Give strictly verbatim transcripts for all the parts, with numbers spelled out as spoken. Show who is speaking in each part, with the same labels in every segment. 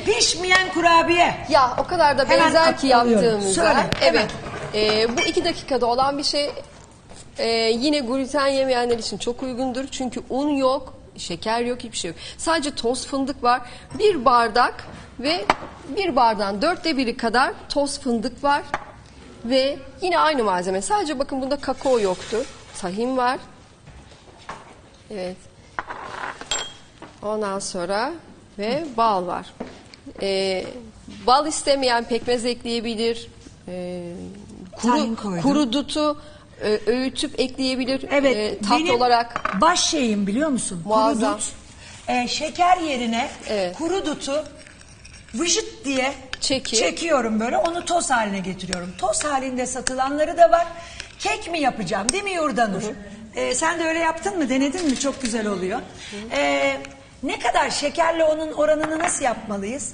Speaker 1: pişmeyen kurabiye.
Speaker 2: Ya o kadar da
Speaker 1: Hemen
Speaker 2: benzer ki
Speaker 1: alıyorum.
Speaker 2: yaptığımıza.
Speaker 1: Söyle,
Speaker 2: Evet. Ee, bu iki dakikada olan bir şey. Ee, yine gluten yemeyenler için çok uygundur. Çünkü un yok, şeker yok, hiçbir şey yok. Sadece toz fındık var. Bir bardak ve bir bardağın dörtte biri kadar toz fındık var. Ve yine aynı malzeme. Sadece bakın bunda kakao yoktu. Tahin var. Evet. Ondan sonra ve bal var. Ee, bal istemeyen pekmez ekleyebilir. Ee,
Speaker 1: Tahin
Speaker 2: kuru,
Speaker 1: koydum.
Speaker 2: kuru dutu e, öğütüp ekleyebilir.
Speaker 1: Evet,
Speaker 2: e, tatlı
Speaker 1: benim
Speaker 2: olarak.
Speaker 1: baş şeyim biliyor musun?
Speaker 2: Muazzam.
Speaker 1: Kuru dut. Ee, şeker yerine
Speaker 2: Evet.
Speaker 1: kuru dutu vıjıt diye
Speaker 2: Çekip.
Speaker 1: çekiyorum böyle. Onu toz haline getiriyorum. Toz halinde satılanları da var. Kek mi yapacağım değil mi Yurdanur? Ee, sen de öyle yaptın mı? Denedin mi? Çok güzel oluyor. Ee, ne kadar şekerle onun oranını nasıl yapmalıyız?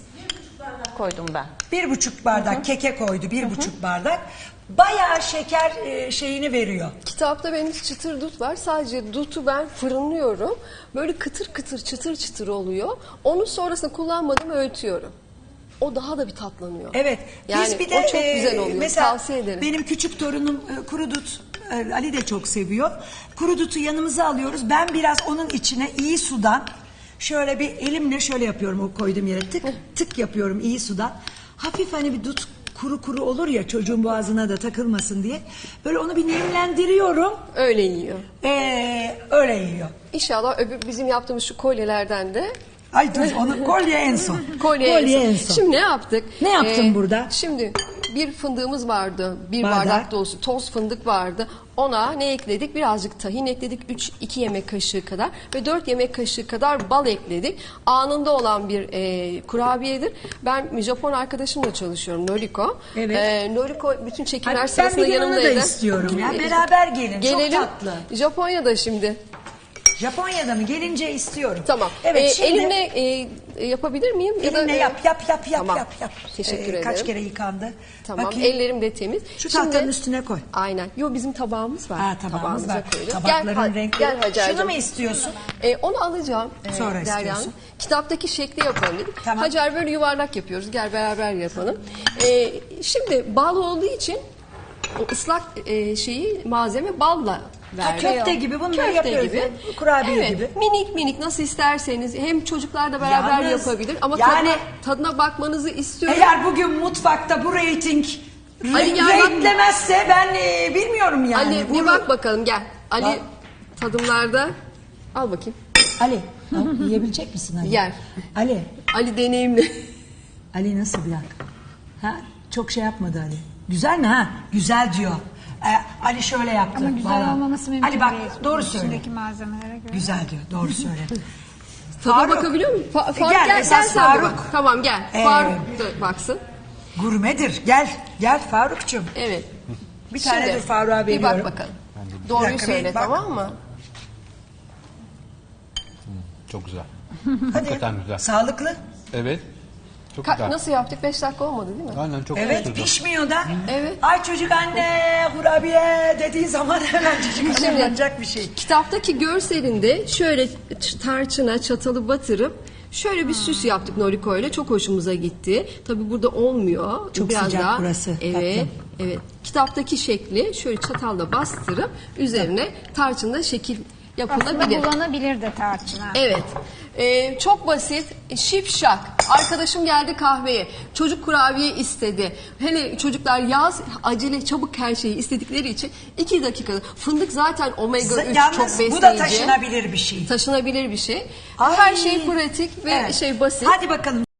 Speaker 3: Koydum ben.
Speaker 1: Bir buçuk bardak keke koydu. Bir buçuk bardak. Bayağı şeker e, şeyini veriyor.
Speaker 2: Kitapta benim çıtır dut var. Sadece dutu ben fırınlıyorum. Böyle kıtır kıtır çıtır çıtır oluyor. Onu sonrasında kullanmadım öğütüyorum. O daha da bir tatlanıyor.
Speaker 1: Evet.
Speaker 2: Yani
Speaker 1: Biz bir de
Speaker 2: o çok
Speaker 1: e,
Speaker 2: güzel oluyor.
Speaker 1: Mesela
Speaker 2: Tavsiye ederim.
Speaker 1: benim küçük torunum e, kuru dut, e, Ali de çok seviyor. Kuru dutu yanımıza alıyoruz. Ben biraz onun içine iyi sudan şöyle bir elimle şöyle yapıyorum, o koyduğum yere tık tık yapıyorum iyi sudan. Hafif hani bir dut kuru kuru olur ya, çocuğun boğazına da takılmasın diye. Böyle onu bir nemlendiriyorum.
Speaker 2: Öyle yiyor.
Speaker 1: Ee, öyle yiyor.
Speaker 2: İnşallah öbür bizim yaptığımız şu kolyelerden de
Speaker 1: Ay dur, onu kolye en son.
Speaker 2: kolye,
Speaker 1: Kolye
Speaker 2: en son.
Speaker 1: en son.
Speaker 2: Şimdi ne yaptık?
Speaker 1: Ne yaptın burada?
Speaker 2: Şimdi bir fındığımız vardı. Bir
Speaker 1: Bardak.
Speaker 2: bardak dolusu toz fındık vardı. Ona ne ekledik? Birazcık tahin ekledik. üç iki yemek kaşığı kadar ve dört yemek kaşığı kadar bal ekledik. Anında olan bir e, kurabiyedir. Ben Japon arkadaşımla çalışıyorum. Noriko.
Speaker 1: Evet.
Speaker 2: E, Noriko bütün çekimler
Speaker 1: Ay, ben
Speaker 2: sırasında
Speaker 1: bir gün onu da
Speaker 2: yanımdaydı.
Speaker 1: istiyorum ya. Beraber gelin.
Speaker 2: Gelelim.
Speaker 1: Çok tatlı.
Speaker 2: Japonya'da şimdi.
Speaker 1: Japonya'da mı? Gelince istiyorum.
Speaker 2: Tamam.
Speaker 1: Evet,
Speaker 2: Ee,
Speaker 1: şimdi
Speaker 2: elimle e, yapabilir miyim? Ya da,
Speaker 1: elinle
Speaker 2: e,
Speaker 1: yap yap yap yap
Speaker 2: Tamam.
Speaker 1: yap yap.
Speaker 2: Teşekkür
Speaker 1: Ee,
Speaker 2: ederim.
Speaker 1: Kaç kere yıkandı?
Speaker 2: Tamam.
Speaker 1: Bakayım.
Speaker 2: Ellerim de temiz.
Speaker 1: Şu
Speaker 2: Şimdi-
Speaker 1: tahtanın üstüne koy.
Speaker 2: Aynen. Yo bizim tabağımız var.
Speaker 1: Ha, tabağımız
Speaker 2: Tabağımıza
Speaker 1: var.
Speaker 2: koyuyoruz.
Speaker 1: Tabakların
Speaker 2: gel, ha-
Speaker 1: renkleri.
Speaker 2: Gel Hacer'cığım.
Speaker 1: Şunu mu istiyorsun?
Speaker 2: Ee, onu alacağım. Ee,
Speaker 1: Sonra
Speaker 2: Derya Hanım.
Speaker 1: istiyorsun.
Speaker 2: Kitaptaki şekli yapalım dedik.
Speaker 1: Tamam.
Speaker 2: Hacer böyle yuvarlak yapıyoruz. Gel beraber yapalım. Ee, şimdi bal olduğu için o ıslak e, şeyi malzeme balla verdik.
Speaker 1: köfte gibi bunları
Speaker 2: Köfte
Speaker 1: yapıyoruz
Speaker 2: gibi.
Speaker 1: ya, kurabiye
Speaker 2: Evet,
Speaker 1: gibi.
Speaker 2: minik minik nasıl isterseniz hem çocuklar da beraber
Speaker 1: Yalnız,
Speaker 2: yapabilir ama
Speaker 1: yani-
Speaker 2: tadına, tadına bakmanızı istiyorum.
Speaker 1: Eğer bugün mutfakta bu reyting
Speaker 2: Ali
Speaker 1: re-
Speaker 2: gel bak.
Speaker 1: renklemezse ben e, bilmiyorum yani.
Speaker 2: Ali bir
Speaker 1: Bunu-
Speaker 2: bak bakalım gel. Ali
Speaker 1: Bak.
Speaker 2: tadımlarda al bakayım.
Speaker 1: Ali, al, yiyebilecek misin Ali?
Speaker 2: Yer.
Speaker 1: Ali,
Speaker 2: Ali deneyimli.
Speaker 1: Ali nasıl bir dakika? Ha, çok şey yapmadı Ali. Güzel mi ha? Güzel diyor. Ee, Ali şöyle yaptı.
Speaker 4: Ama güzel
Speaker 1: Vallahi.
Speaker 4: olmaması mümkün
Speaker 1: Ali bak
Speaker 4: değil.
Speaker 1: doğru söyle.
Speaker 4: İçindeki malzemelere göre.
Speaker 1: Güzel diyor. Doğru söyle.
Speaker 2: Tadına
Speaker 1: Faruk.
Speaker 2: bakabiliyor musun? Fa- Faruk
Speaker 1: Gel,
Speaker 2: gel, gel,
Speaker 1: esas
Speaker 2: sen de
Speaker 1: Faruk.
Speaker 2: bak. Tamam gel.
Speaker 1: Ee,
Speaker 2: Faruk da baksın.
Speaker 1: Gurmedir. Gel. Gel Faruk'cum.
Speaker 2: Evet.
Speaker 1: Bir tane
Speaker 2: Şimdi,
Speaker 1: dur Faruk'a
Speaker 2: bir
Speaker 1: veriyorum.
Speaker 2: bak bakalım. Doğruyu
Speaker 1: dakika, bir
Speaker 2: söyle
Speaker 1: bak.
Speaker 2: tamam mı?
Speaker 5: Çok güzel.
Speaker 1: Hadi.
Speaker 5: Hakikaten güzel.
Speaker 1: Sağlıklı.
Speaker 5: Evet. Çok
Speaker 2: Ka-
Speaker 5: güzel.
Speaker 2: nasıl yaptık? Beş dakika olmadı değil mi?
Speaker 5: Aynen çok
Speaker 1: Evet
Speaker 5: güzel.
Speaker 1: pişmiyor da.
Speaker 2: Evet.
Speaker 1: Ay çocuk anne kurabiye dediği zaman hemen çocuk
Speaker 2: Şimdi-
Speaker 1: hazırlanacak bir şey.
Speaker 2: Kitaptaki görselinde şöyle ç- tarçına çatalı batırıp şöyle bir süs yaptık Noriko ile. Çok hoşumuza gitti. Tabii burada olmuyor.
Speaker 1: Çok
Speaker 2: Biraz
Speaker 1: sıcak
Speaker 2: daha,
Speaker 1: burası,
Speaker 2: Evet.
Speaker 1: tatlım.
Speaker 2: Evet. Kitaptaki şekli şöyle çatalla bastırıp üzerine tarçınla şekil
Speaker 4: Aslında
Speaker 2: yapılabilir.
Speaker 4: kullanabilir de tarçına.
Speaker 2: Evet. Ee, çok basit, şipşak. Arkadaşım geldi kahveye. Çocuk kurabiye istedi. Hele çocuklar yaz acele çabuk her şeyi istedikleri için iki dakikada. Fındık zaten omega üç
Speaker 1: Yalnız
Speaker 2: çok besleyici.
Speaker 1: bu da taşınabilir bir şey.
Speaker 2: Taşınabilir bir şey.
Speaker 1: Ay.
Speaker 2: Her şey pratik ve
Speaker 1: Evet.
Speaker 2: şey basit.
Speaker 1: Hadi bakalım.